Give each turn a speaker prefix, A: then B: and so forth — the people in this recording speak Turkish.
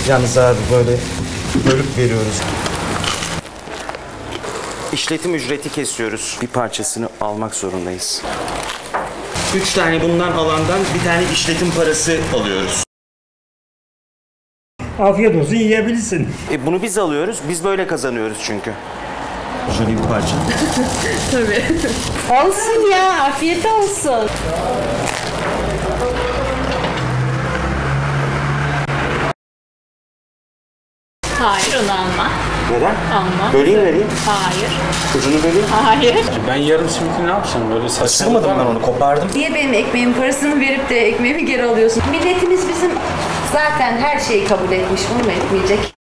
A: Yalnız abi böyle bölüp veriyoruz. İşletim ücreti kesiyoruz. Bir parçasını almak zorundayız. 3 tane bundan alandan bir tane işletim parası alıyoruz.
B: Afiyet olsun, yiyebilirsin.
A: Bunu biz alıyoruz. Biz böyle kazanıyoruz çünkü. Şöyle bir parça.
C: Tabii. Olsun ya, afiyet olsun. Hayır, onu alma.
A: Neden?
C: Alma.
A: Böleyim vereyim.
C: Hayır.
A: Ucunu böleyim.
C: Hayır.
D: Ben yarım simiti ne yapacağım böyle saçma.
A: Sırmadım ben onu, kopardım.
C: Niye benim ekmeğimin parasını verip de ekmeğimi geri alıyorsun? Milletimiz bizim zaten her şeyi kabul etmiş, bunu mu etmeyecek?